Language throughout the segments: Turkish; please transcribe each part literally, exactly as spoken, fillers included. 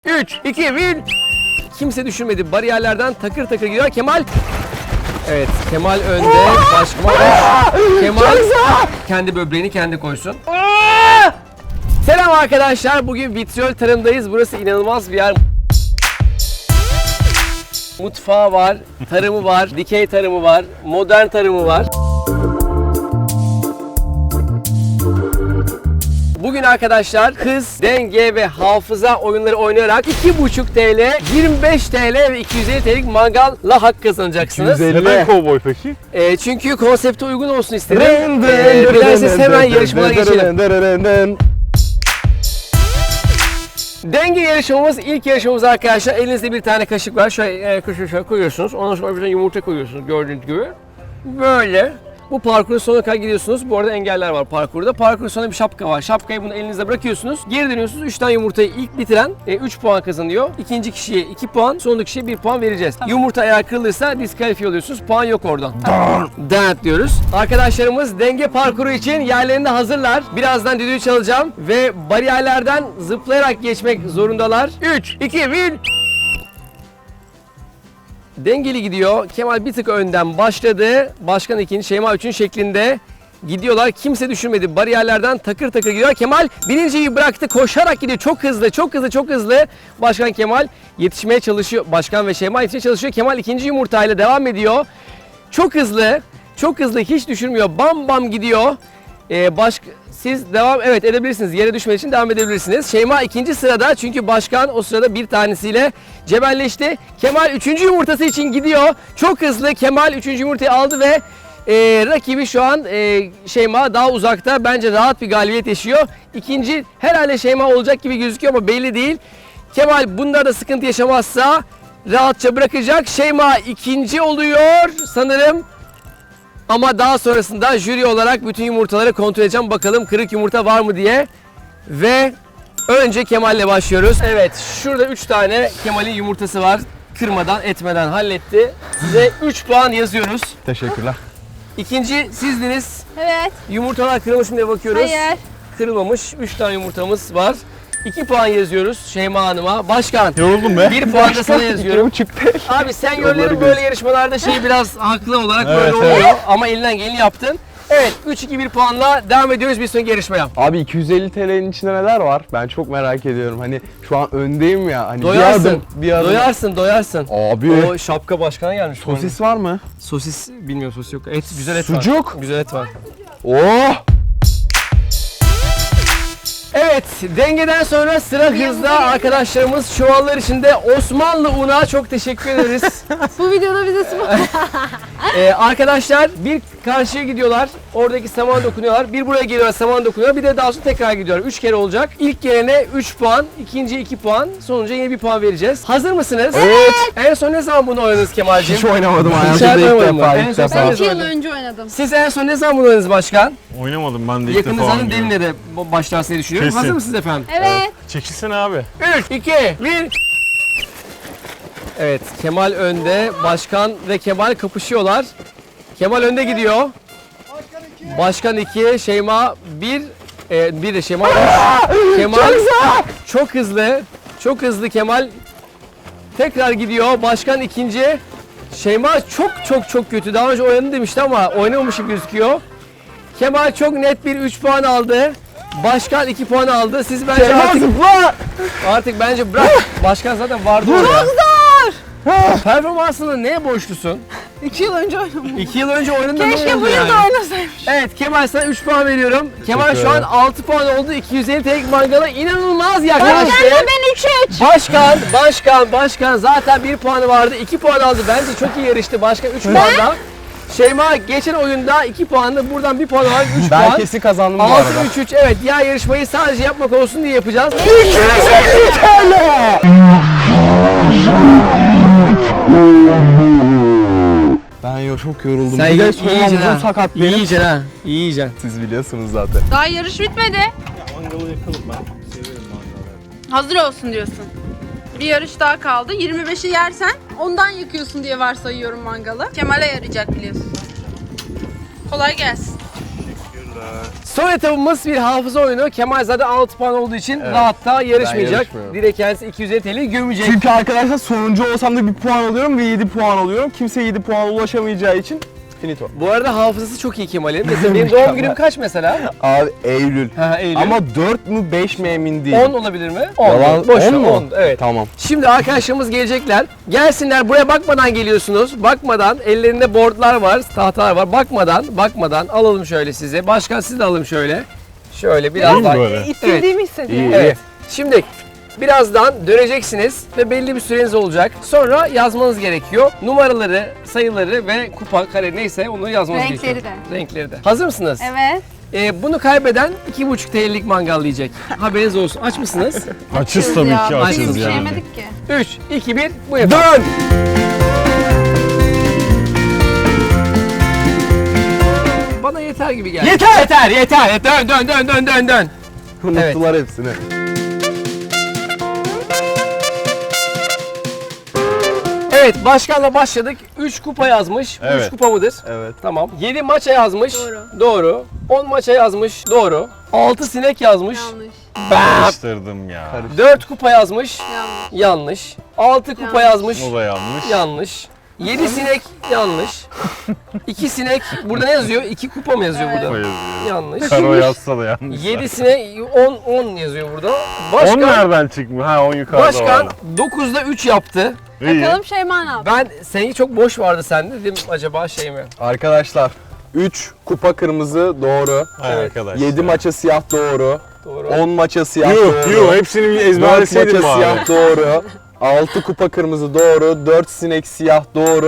üç, iki, bir. Kimse düşünmedi. Bariyerlerden takır takır gidiyor. Kemal. Evet, Kemal önde. Başkman. Kemal kendi böbreğini kendi koysun. Selam arkadaşlar. Bugün vitriyol tarımdayız. Burası inanılmaz bir yer. Mutfağı var, tarımı var, dikey tarımı var, modern tarımı var. Bugün arkadaşlar hız, denge ve hafıza oyunları oynayarak iki buçuk TL, yirmi beş TL ve iki yüz elli TL'lik mangalla hak kazanacaksınız. iki yüz elli Neden kovboy peki? E, çünkü konsepte uygun olsun istedim. E, dilerseniz hemen yarışmalara geçelim. Denge yarışmamız ilk yarışmamız arkadaşlar. Elinizde bir tane kaşık var. Şöyle e, kaşığı şöyle koyuyorsunuz. Ondan sonra bir yumurta koyuyorsunuz gördüğünüz gibi. Böyle. Bu parkurun sonuna kadar gidiyorsunuz. Bu arada engeller var parkurda. Parkurun sonunda bir şapka var. Şapkayı bunu elinizde bırakıyorsunuz. Geri dönüyorsunuz. üç tane yumurtayı ilk bitiren üç puan kazanıyor. İkinci kişiye iki puan, sonraki kişiye bir puan vereceğiz. Tamam. Yumurta eğer kırılırsa diskalifiye oluyorsunuz. Puan yok oradan. Dert diyoruz. Arkadaşlarımız denge parkuru için yerlerinde hazırlar. Birazdan düdüğü çalacağım ve bariyerlerden zıplayarak geçmek zorundalar. üç, iki, bir. Dengeli gidiyor. Kemal bir tık önden başladı. Başkan ikinci, Şeyma üçün şeklinde gidiyorlar. Kimse düşünmedi. Bariyerlerden takır takır gidiyor. Kemal birinciyi bıraktı. Koşarak gidiyor. Çok hızlı, çok hızlı, çok hızlı. Başkan Kemal yetişmeye çalışıyor. Başkan ve Şeyma yetişmeye çalışıyor. Kemal ikinci yumurtayla devam ediyor. Çok hızlı, çok hızlı. Hiç düşürmüyor. Bam bam gidiyor. Ee, baş... Siz devam evet edebilirsiniz. Yere düşmek için devam edebilirsiniz. Şeyma ikinci sırada çünkü başkan o sırada bir tanesiyle cebelleşti. Kemal üçüncü yumurtası için gidiyor. Çok hızlı Kemal üçüncü yumurtayı aldı ve e, rakibi şu an e, Şeyma daha uzakta. Bence rahat bir galibiyet yaşıyor. İkinci herhalde Şeyma olacak gibi gözüküyor ama belli değil. Kemal bunda da sıkıntı yaşamazsa rahatça bırakacak. Şeyma ikinci oluyor sanırım. Ama daha sonrasında jüri olarak bütün yumurtaları kontrol edeceğim. Bakalım kırık yumurta var mı diye. Ve önce Kemal'le başlıyoruz. Evet, şurada üç tane Kemal'in yumurtası var. Kırmadan, etmeden halletti. Size üç puan yazıyoruz. Teşekkürler. İkinci sizdiniz. Evet. Yumurtalar kırılmış mı diye bakıyoruz. Hayır. Kırılmamış. üç tane yumurtamız var. iki puan yazıyoruz Şeyma Hanım'a. Başkan. Yoruldum be. bir puan da sana yazıyorum. Çıktı. Abi sen yolların böyle yarışmalarda şey biraz haklı olarak Evet, böyle evet. oluyor ama elinden geleni yaptın. Evet üç iki bir puanla devam ediyoruz bir sonraki yarışmaya. Abi iki yüz elli TL'nin içinde neler var? Ben çok merak ediyorum. Hani şu an öndeyim ya. Hani Doyarsın. bir adım, bir adım. Doyarsın, doyarsın. Abi. O şapka başkana gelmiş. Sosis var mı? Sosis bilmiyorum sosis yok. Et güzel et var. Sucuk. Güzel et var. Oh! Evet, dengeden sonra sıra hızda arkadaşlarımız çuvallar içinde Osmanlı una çok teşekkür ederiz. Bu videoda bize spor. ee, arkadaşlar bir karşıya gidiyorlar, oradaki saman dokunuyorlar. Bir buraya geliyorlar, saman dokunuyorlar. Bir de daha sonra tekrar gidiyorlar. üç kere olacak. İlk gelene üç puan, ikinciye iki puan, sonuncuya yine bir puan vereceğiz. Hazır mısınız? Evet. En son ne zaman bunu oynadınız Kemal'ciğim? Hiç oynamadım Hiç hayatımda ilk oynamadım defa. ben. En ilk son defa. sen- Ben iki yıl önce oynadım. Siz en son ne zaman bunu oynadınız başkan? Oynamadım ben de ilk defa Yakınınızın oynuyorum. diline de başlarsın diye düşünüyorum. Kesin. Hazır mısınız efendim? Evet. Çekilsene abi. üç, iki, bir. Evet, Kemal önde. Başkan ve Kemal kapışıyorlar. Kemal önde gidiyor. Başkan iki, Şeyma bir, e, bir de Şeyma üç. Kemal çok hızlı, çok hızlı Kemal tekrar gidiyor. Başkan ikinci. Şeyma çok çok çok kötü. Daha önce oynadı demişti ama oynamamış gibi gözüküyor. Kemal çok net bir üç puan aldı. Başkan iki puan aldı. Siz bence Şeyma artık, zıpla! artık bence bırak. Başkan zaten vardı orada. Çok zor. Performansına neye borçlusun? iki yıl önce oynadım. iki yıl önce oynadın ne Keşke oldu bu yıl yani? da oynasaydım. Evet Kemal sana üç puan veriyorum. Kemal Teşekkür şu an ederim. altı puan oldu. iki yüz elli TL'lik mangala inanılmaz Ben yaklaştı. de ben üç üç. Başkan, başkan, başkan zaten bir puanı vardı. iki puan aldı. Bence çok iyi yarıştı. Başkan üç puanda. Şeyma geçen oyunda iki puandı. Buradan bir puan var. üç Ben puan. kesin kazandım bu altı arada. üç üç evet diğer yarışmayı sadece yapmak olsun diye yapacağız. Ben yo çok yoruldum. Sen bir de iyi- son iyice ha. omuzum sakat benim. İyice ha. İyice. Siz biliyorsunuz zaten. Daha yarış bitmedi. Mangalı yakalım ben. Severim mangalı. Hazır olsun diyorsun. Bir yarış daha kaldı. yirmi beşi yersen ondan yakıyorsun diye varsayıyorum mangalı. Kemal'e yarayacak biliyorsun. Kolay gelsin. Son etapımız bir hafıza oyunu. Kemal zaten altı puan olduğu için Evet. rahatta yarışmayacak. yarışmıyorum. Direkt kendisi iki yüz elli T L'yi gömecek. Çünkü arkadaşlar sonuncu olsam da bir puan alıyorum ve yedi puan alıyorum. Kimse yedi puana ulaşamayacağı için finito. Bu arada hafızası çok iyi Kemal'in. Mesela benim doğum günüm kaç mesela? Abi Eylül. Ha, Eylül. Ama dört mü beş mi emin değilim. on olabilir mi? on. Yalan- Boş ver, on mu? on. Evet. Tamam. Şimdi arkadaşlarımız gelecekler. Gelsinler, buraya bakmadan geliyorsunuz. Bakmadan, ellerinde boardlar var, tahtalar var. Bakmadan, bakmadan alalım şöyle size. Başkan siz de alalım şöyle. Şöyle biraz daha. böyle? İttirdiğimi hissediyorum. İyi. Evet. Şimdi birazdan döneceksiniz ve belli bir süreniz olacak. Sonra yazmanız gerekiyor. Numaraları, sayıları ve kupa, kare neyse onu yazmanız Renkleri gerekiyor. de. Renkleri de. Hazır mısınız? Evet. Ee, bunu kaybeden iki buçuk T L'lik mangal yiyecek. Haberiniz olsun. Aç mısınız? Açız tabii ya. ki Biz açız hiçbir şey yani. yemedik ki. üç, iki, bir, buyurun. Dön! Bana yeter gibi geldi. Yeter! Yeter, yeter. Dön, dön, dön, dön, dön, dön. Unuttular hepsini. Evet, başkanla başladık. üç kupa yazmış. üç Evet. kupa mıdır? Evet. Tamam. yedi maça yazmış. Doğru. Doğru. on maça yazmış. Doğru. altı sinek yazmış. Yanlış. Bam. Karıştırdım ya. dört kupa yazmış. Yanlış. Yanlış. altı kupa Yanlış. yazmış. O da yanlış. Yanlış. yedi sinek yanlış. iki sinek burada ne yazıyor? iki kupa mı yazıyor Evet. O burada? yazıyor. Yanlış. Karo yazsa da yanlış. yedi sinek on on yazıyor burada. on Başkan nereden çıkmış? Ha on yukarıda Başkan var. dokuzda üç yaptı. İyi. Bakalım Şeyma ne yaptı? Ben seninki çok boş vardı sende dedim acaba şey mi? Arkadaşlar üç kupa kırmızı doğru. Hay Evet. arkadaş. yedi ya. maça siyah doğru. Doğru. on maça siyah Yuh doğru. yuh hepsini bir dört ezberleseydim maça bari. siyah doğru. altı kupa kırmızı doğru. dört sinek siyah doğru.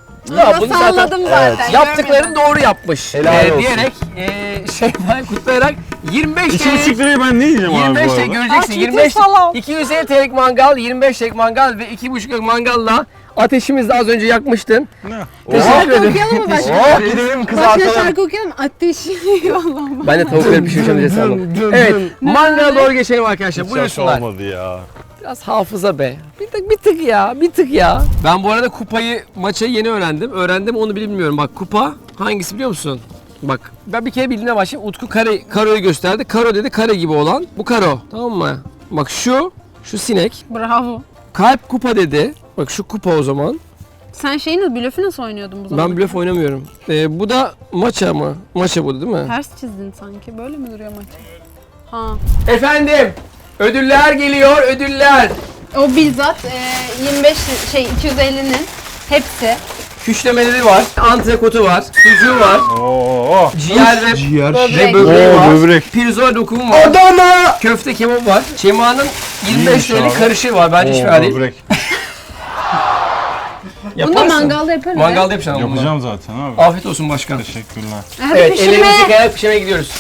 Ya Bunu bunu zaten salladım zaten. yaptıklarını doğru yapmış. Helal Ee, olsun. diyerek e, Şeyma'yı kutlayarak yirmi beş İki T L buçuk lirayı ben ne yiyeceğim abi yirmi beş bu T L arada? göreceksin. Aa, yirmi beş ciddi salam. iki yüz elli T L'lik mangal, yirmi beş T L'lik mangal ve iki buçuk T'lik mangalla ateşimizi de az önce yakmıştın. Ne? Teşekkür Şarkı ederim. okuyalım mı başka? Oh gidelim Başka kızartalım. şarkı okuyalım mı? Ateşi yollama. Ben de tavukları pişireceğim diye sandım. Evet, mangala doğru geçelim arkadaşlar. Hiç yaş Buyursunlar. olmadı ya. Biraz hafıza be. Bir tık, bir tık ya, bir tık ya. Ben bu arada kupayı, maçı yeni öğrendim. Öğrendim onu bilmiyorum. Bak kupa hangisi biliyor musun? Bak ben bir kere bildiğine başlayayım. Utku kare, karoyu gösterdi. Karo dedi kare gibi olan. Bu karo. Tamam mı? Bak şu, şu sinek. Bravo. Kalp kupa dedi. Bak şu kupa o zaman. Sen şeyin nasıl, blöfü nasıl oynuyordun bu zaman? Ben blöf oynamıyorum. Ee, bu da maça mı? Maça bu değil mi? Ters çizdin sanki. Böyle mi duruyor maç? Ha. Efendim, ödüller geliyor, ödüller. O bizzat e, yirmi beş şey iki yüz ellinin hepsi. Küşlemeleri var, antrekotu var, sucuğu var, Oo. ciğer ve, Ciğer. ve Böbrek. böbreği Oo var. böbrek. Pirzola dokumu var. Adana! Köfte kebap var. Şeyma'nın yirmi beş İyiymiş liralık abi. karışığı var. Bence hiç Oo, fena değil. böbrek. Bunu da mangalda yaparız. Mangalda yapacaksın ama bunu. Yapacağım zaten abi. Afiyet olsun başkan. Teşekkürler. Hadi Evet, pişirmeye. ellerimizi yıkayarak pişirmeye gidiyoruz.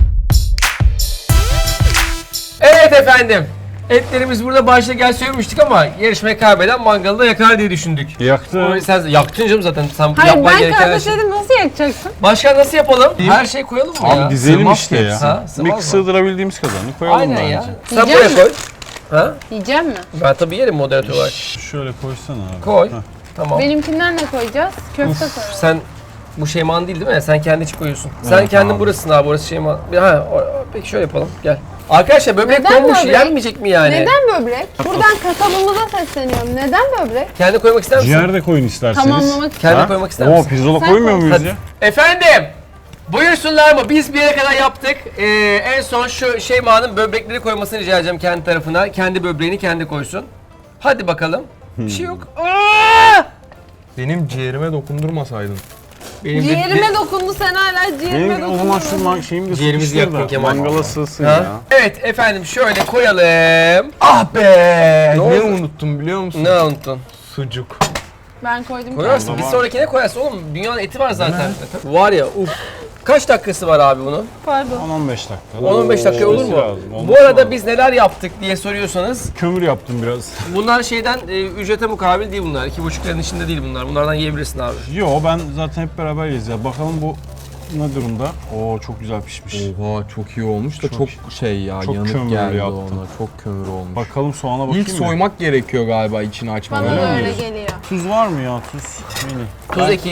Evet efendim. Etlerimiz burada başta gel söylemiştik ama yarışmayı kaybeden mangalı da yakar diye düşündük. Yaktı. Onu sen yaktın canım zaten. Sen Hayır yapman ben gereken her şey. kardeşlerim nasıl yakacaksın? Başkan nasıl yapalım? Her şey koyalım mı ya? Abi dizelim Sığmaz işte ki ya. Ha, sığmaz Bir mı? sığdırabildiğimiz kadarını koyalım Aynen bence. ya. Sen buraya Yiyecek koy. Ha? Yiyeceğim mi? Ben tabii yerim moderatör olarak. Şöyle koysana abi. Koy. Heh. Tamam. Benimkinden ne koyacağız? Köfte koyalım. Sen bu Şeyma'nın değil değil mi? Sen kendi için koyuyorsun. Sen Evet, kendin abi. burasısın abi. Burası Şeyma. Bir- Ha, o- peki şöyle yapalım. Gel. Arkadaşlar böbrek Neden konmuş. böbrek? Yenmeyecek mi yani? Neden böbrek? Buradan kasabımıza sesleniyorum. Neden böbrek? Kendi koymak ister misin? Ciğer de koyun isterseniz. Tamamlamak için. Kendi Ha? koymak ister Oo misin? pirzola Sen koymuyor koy. muyuz Hadi. ya? Efendim. Buyursunlar mı? Biz bir yere kadar yaptık. Ee, en son şu Şeyma'nın böbrekleri koymasını rica edeceğim kendi tarafına. Kendi böbreğini kendi koysun. Hadi bakalım. Bir şey yok. Aa! Benim ciğerime dokundurmasaydın. Benim de- Ciğerime dokundu sen hala ciğerime Benim o zaman şu dokundun. man şeyimi de Ciğerimizi sıkıştır yaktın da Kemal. mangala sığsın Ha? ya. Evet efendim şöyle koyalım. Ah be! Ne Ne, oldu? unuttum biliyor musun? Ne unuttun? Sucuk. Ben koydum. Koyarsın. Tamam. Bir sonrakine koyarsın oğlum. Dünyanın eti var zaten. Var ya uf. Kaç dakikası var abi bunun? Pardon. on on beş dakika. on on beş dakika olur Olması mu? lazım, Bu olması arada lazım. biz neler yaptık diye soruyorsanız Kömür yaptım biraz. bunlar şeyden e, ücrete mukabil değil bunlar. iki buçuk liranın içinde değil bunlar. Bunlardan yiyebilirsin abi. Yo ben zaten hep beraber yiyeceğiz ya. Bakalım bu ne durumda? Oo çok güzel pişmiş. Oha çok iyi olmuş da Çok- çok, şey ya çok yanık kömürlü geldi yaptın. ona. Çok kömür olmuş. Bakalım soğana bakayım İlk mı? soymak gerekiyor galiba içini açmadan. Bana Öyle da mi öyle diyorsun? geliyor. Tuz var mı ya tuz? Mini. Tuz ekeyim.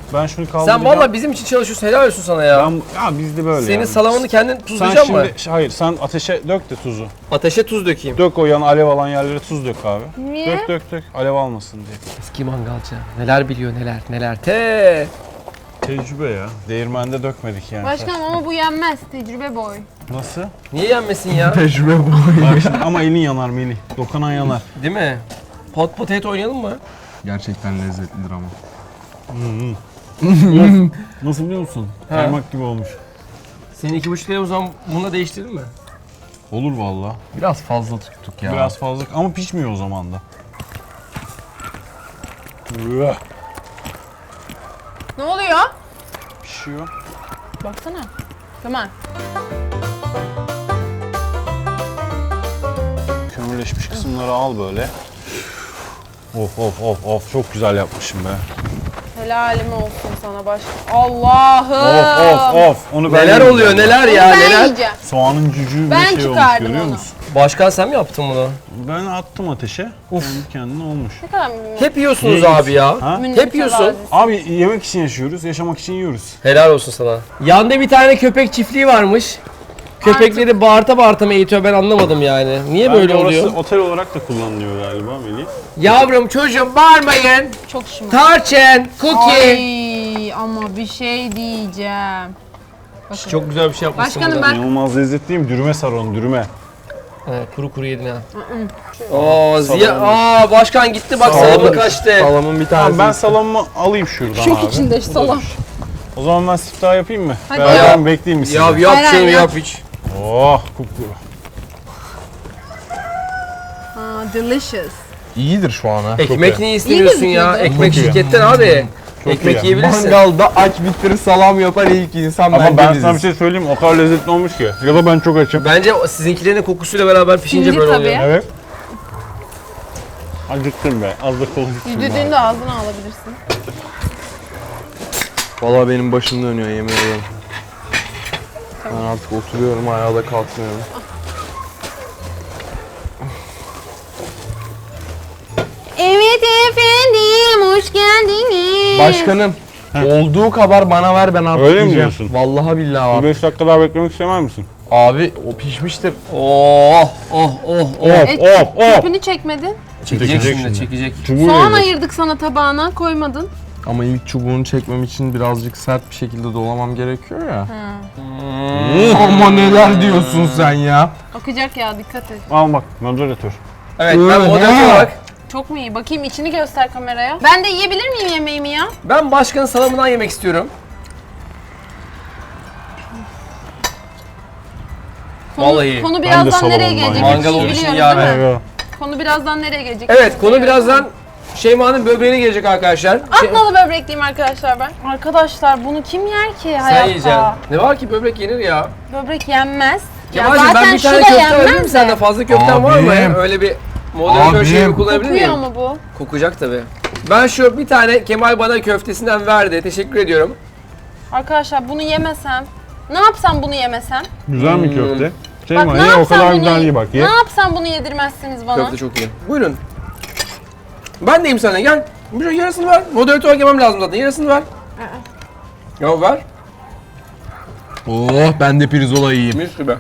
Ben şunu kaldıracağım. Sen valla bizim için çalışıyorsun, helal olsun sana ya. Ben, ya bizde böyle Senin yani. salamını kendin Sen tuzlayacak mı? şimdi, hayır sen ateşe dök de tuzu. Ateşe tuz dökeyim. Dök o yan alev alan yerlere tuz dök abi. Niye? Dök dök dök alev almasın diye. Eski mangalcı. Neler biliyor neler neler. Te. Tecrübe ya. Değirmende dökmedik yani. Başkanım ama bu yenmez. Tecrübe boy. Nasıl? Niye yenmesin ya? Tecrübe bu. Bak şimdi, ama elin yanar Melih. Dokunan yanar. Değil mi? Pot potato oynayalım mı? Gerçekten lezzetlidir ama. Nasıl biliyor musun? Ha. Kaymak gibi olmuş. Senin iki buçuk liraya o zaman bununla değiştirelim mi? Olur valla. Biraz fazla tuttuk ya. Biraz fazla ama pişmiyor o zaman da. Üah, Ne oluyor? Pişiyor. Baksana. Kemal. Kömürleşmiş kısımları al böyle. Of of of of çok güzel yapmışım be. Helalim olsun sana başkan. Allah'ım. Of of of. Onu ben Neler yiyeceğim oluyor bak. neler Onu ya ben neler. yiyeceğim. Soğanın cücüğü Ben bir şey olmuş çıkardım görüyor onu. musun? Başkan sen mi yaptın bunu? Ben attım ateşe. Of. Kendi kendine olmuş. Ne kadar mümin. Hep yiyorsunuz Yiyoruz. abi ya. Ha? mümin Hep yiyorsun. tevazisi. Abi yemek için yaşıyoruz, yaşamak için yiyoruz. Helal olsun sana. Yanda bir tane köpek çiftliği varmış. Köpekleri bağırta bağırta mı eğitiyor ben anlamadım yani. Niye böyle Bence oluyor? orası otel olarak da kullanılıyor galiba Melih. Yavrum çocuğum bağırmayın. Çok şımarık. Tarçın, cookie. Ay ama bir şey diyeceğim. Bakın. Çok güzel bir şey yapmışsın Başkanım burada. ben İnanılmaz lezzetliyim. Dürüme sar onu, dürüme. Evet, kuru kuru yedin ha. Oo Ziya, Salamı. aa başkan gitti bak Salamı. salamı kaçtı. Salamın bir Tamam tanesi. ben salamımı alayım şuradan şok abi. içinde salam. O zaman ben siftah yapayım mı? Hadi. Beraber Ya. mi bekleyeyim mi sizi? Ya yap Hayır, şunu hayır, yap hiç. Oh kupkuru. Aa, delicious. İyidir şu an ha. Ekmek iyi. niye istemiyorsun İyi ya? gözüküyordu. Ekmek Çok iyi. şirketten abi. Çok Ekmek iyi. yiyebilirsin. Mangalda aç bitirir salam yapar ilk insan Ama bence ben biziz. sana bir şey söyleyeyim mi? O kadar lezzetli olmuş ki. Ya da ben çok açım. Bence o sizinkilerin kokusuyla beraber pişince Şimdi böyle tabii. oluyor. Evet. Acıktım be. Az da konuştum. Yüzdüğünde ağzına alabilirsin. Valla benim başım dönüyor yemin ederim. Ben artık oturuyorum ayağa da kalkmıyorum. Evet efendim, hoş geldiniz. Başkanım olduğu kadar bana ver ben artık Öyle mi yiyeceğim. diyorsun? Vallahi billahi Bir abi. beş dakika daha beklemek istemez misin? Abi o pişmiştir. Oh oh oh oh. Et, Of of. Çöpünü çekmedin. Çekecek Çekecek şimdi, şimdi. çekecek. Çubuğu Soğan yiyecek. ayırdık sana tabağına, koymadın. Ama ilk çubuğunu çekmem için birazcık sert bir şekilde dolamam gerekiyor ya. Ama neler diyorsun sen ya? Akacak ya, dikkat et. Al bak moderatör. Evet ben Öyle. moderatör olarak Çok mu iyi? Bakayım içini göster kameraya. Ben de yiyebilir miyim yemeğimi ya? ben başkanın salamından yemek istiyorum. Konu, Vallahi. konu Ben de birazdan nereye salamından gelecek? Mangal Hepsini olduğu için biliyoruz değil yani. mi? Evet. Konu birazdan nereye gelecek? Evet Hepsini konu biliyoruz. birazdan Şeyma'nın böbreğine gelecek arkadaşlar. Şey- Atnalı böbrekliyim arkadaşlar ben. Arkadaşlar bunu kim yer ki Sen hayatta? yiyeceksin. Ne var ki böbrek yenir ya. Böbrek yenmez. Ya Kemal'cim zaten ben bir şu tane da köfte alabilir miyim yenmez senden? de. Fazla köften var mı? Abim. Öyle bir moderatör şeyi Abim. kullanabilir Kokuyor miyim? mu bu? Kokacak tabii. Ben şu bir tane Kemal bana köftesinden verdi. Teşekkür ediyorum. Arkadaşlar bunu yemesem, ne yapsam bunu yemesem? Güzel mi köfte? Bak Şeyma ne ye o yapsam kadar bunu, güzel değil bak ye. ne yapsam bunu yedirmezsiniz bana. Köfte çok iyi. Buyurun. Ben deyim sana gel. Bir şey yarısını ver. Moderatör olarak yemem lazım zaten. Yarısını ver. Ya ver. Oh ben de pirzola yiyeyim. Mis gibi.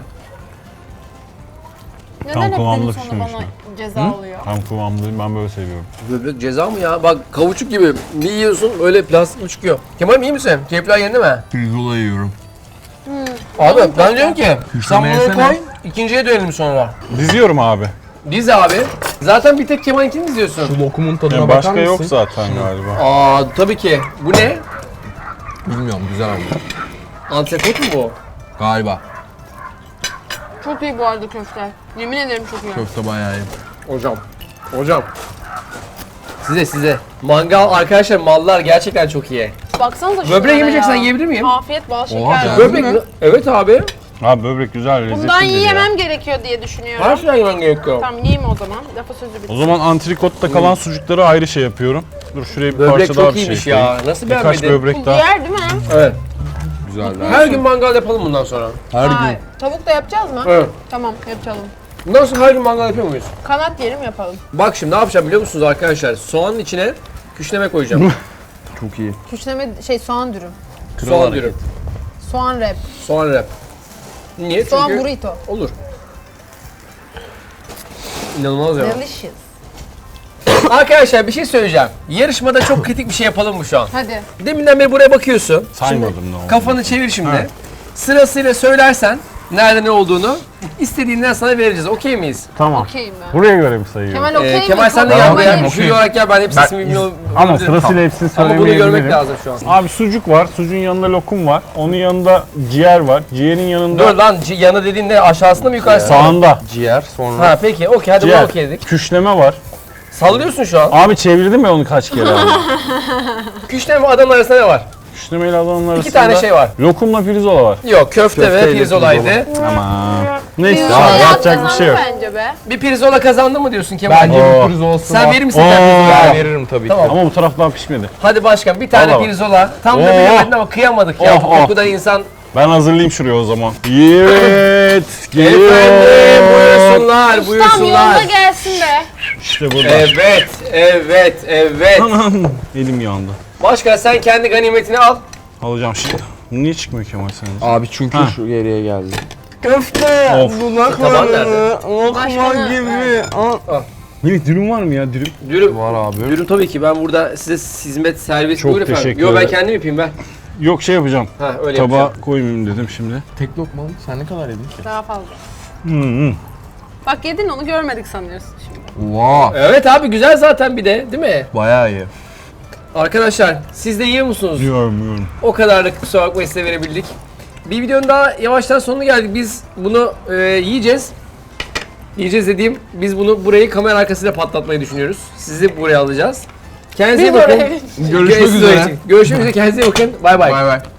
Neden Tam hep kıvamda benim sonra pişmemiş bana mi? ceza oluyor? Tam kıvamlı ben böyle seviyorum. Böbrek ceza mı ya? Bak kavuçuk gibi. Bir yiyorsun öyle plastik çıkıyor. Kemal iyi misin? Keyifler yerinde mi? Pirzola yiyorum. Abi ben diyorum ki sen Küşleme bunu yesene. koy. İkinciye dönelim sonra. Diziyorum abi. Diz abi. Zaten bir tek Kemal'inkini diziyorsun. Şu lokumun tadına Yani bakar başka mısın? yok zaten galiba. Aa tabii ki. Bu ne? Bilmiyorum güzel ama. Antrikot mu bu? Galiba. Çok iyi bu arada köfte. Yemin ederim çok iyi. Köfte bayağı iyi. Hocam. Hocam. Size size. Mangal arkadaşlar mallar gerçekten çok iyi. Baksanıza şunlara Böbrek yemeyeceksen ya. yiyebilir miyim? Afiyet bal şeker. Oha, Böbrek mi? mi? Evet abi. Abi böbrek güzel lezzetli. Bundan yiyemem gerekiyor diye düşünüyorum. Her şeyden yemen gerekiyor. Tamam yiyeyim o zaman. Lafa sözü bitti. O zaman antrikotta kalan sucukları ayrı şey yapıyorum. Dur şuraya bir Böbrek parça daha çok bir şey iyiymiş koyayım. ya. Nasıl Birkaç beğenmedin? böbrek Bu daha. diğer değil mi? Evet. Güzel. Her gün mangal yapalım bundan sonra. Her Hayır. gün. Tavuk da yapacağız mı? Evet. Tamam yapalım. Bundan sonra her gün mangal yapıyor muyuz? Kanat yerim yapalım. Bak şimdi ne yapacağım biliyor musunuz arkadaşlar? Soğanın içine küşleme koyacağım. Çok iyi. Küşleme şey soğan dürüm. Soğan dürüm. Soğan wrap. Soğan wrap. Niye? Soğan Çünkü burrito. olur. İnanılmaz ya. Delicious. Arkadaşlar bir şey söyleyeceğim. Yarışmada çok kritik bir şey yapalım mı şu an? Hadi. Deminden beri buraya bakıyorsun. Saymadım Şimdi ne oldu. Kafanı çevir şimdi. Sırasıyla söylersen nerede ne olduğunu istediğinden sana vereceğiz. Okey miyiz? Tamam. Okey mi? Buraya göre mi sayıyorum? Kemal okey Ee, mi? Kemal sen de Tamam, gel buraya. okey. Jüri olarak gel, ben hepsini ismini bilmiyorum. Ama sırasıyla hepsini Ama bunu söylemeyebilirim. görmek lazım şu an. Abi sucuk var. Sucuğun yanında lokum var. Onun yanında ciğer var. Ciğerin yanında Dur lan, c- yanı dediğinde aşağısında mı yukarısında? mı? sağında Ciğer sonra. Ha peki, okey, hadi buna ciğer. okey dedik. Küşleme var. Sallıyorsun şu an. Abi çevirdim ya onu kaç kere abi. Küşleme ve Adana arasında ne var? Küşlemeyle Adana'nın arasında İki tane şey var. lokumla pirzola var. Yok, köfte, Köfteyle ve pirzolaydı. Ama neyse Pirzola abi yapacak bir kazandı şey yok. Bence be. Bir pirzola kazandı mı diyorsun Kemal? Bence Oo. bir pürüz olsun. Sen var. verir misin Oo. sen Ben pirzola? veririm tabii Tamam. ki. Ama bu taraf daha pişmedi. Hadi başkan, bir tane Vallahi. pirzola. Tam da Oo. bilemedin ama kıyamadık ya. Oh, Bu oh. kadar insan. Ben hazırlayayım şuraya o zaman. Evet. Efendim, Geliyor. buyursunlar, Tam buyursunlar. yolda gelsin be. İşte burada. Evet, evet, evet. Anam. Elim yandı. Başkan sen kendi ganimetini al. Alacağım şimdi. Bu niye çıkmıyor Kemal sence? Abi çünkü Ha. şu geriye geldi. Köfte, Of. Taban nerede? lokma Başkanı, gibi. Al. Melih dürüm var mı ya dürüm? Dürüm. Var abi. Dürüm tabii ki, ben burada size hizmet servis Çok buyur efendim. teşekkür Yo, ben ederim. kendim yapayım ben. Yok şey yapacağım. Ha öyle Tabağa yapacağım. koymayayım dedim şimdi. Tek lokma mı? Sen ne kadar yedin ki? Daha fazla. Hı hı. Bak yedin, onu görmedik sanıyorsun şimdi. Vaa. Evet abi, güzel zaten bir de, değil mi? Bayağı iyi. Arkadaşlar siz de yiyor musunuz? Yiyorum yiyorum. O kadarlık, kusura bakmayın, size verebildik. Bir videonun daha yavaştan sonuna geldik. Biz bunu e, yiyeceğiz. Yiyeceğiz dediğim, biz bunu burayı kamera arkasıyla patlatmayı düşünüyoruz. Sizi buraya alacağız. Kendinize iyi Biz bakın. oraya- Görüşmek Siz üzere. oraya- Görüşmek üzere. Kendinize iyi bakın. Bay bay. Bay bay.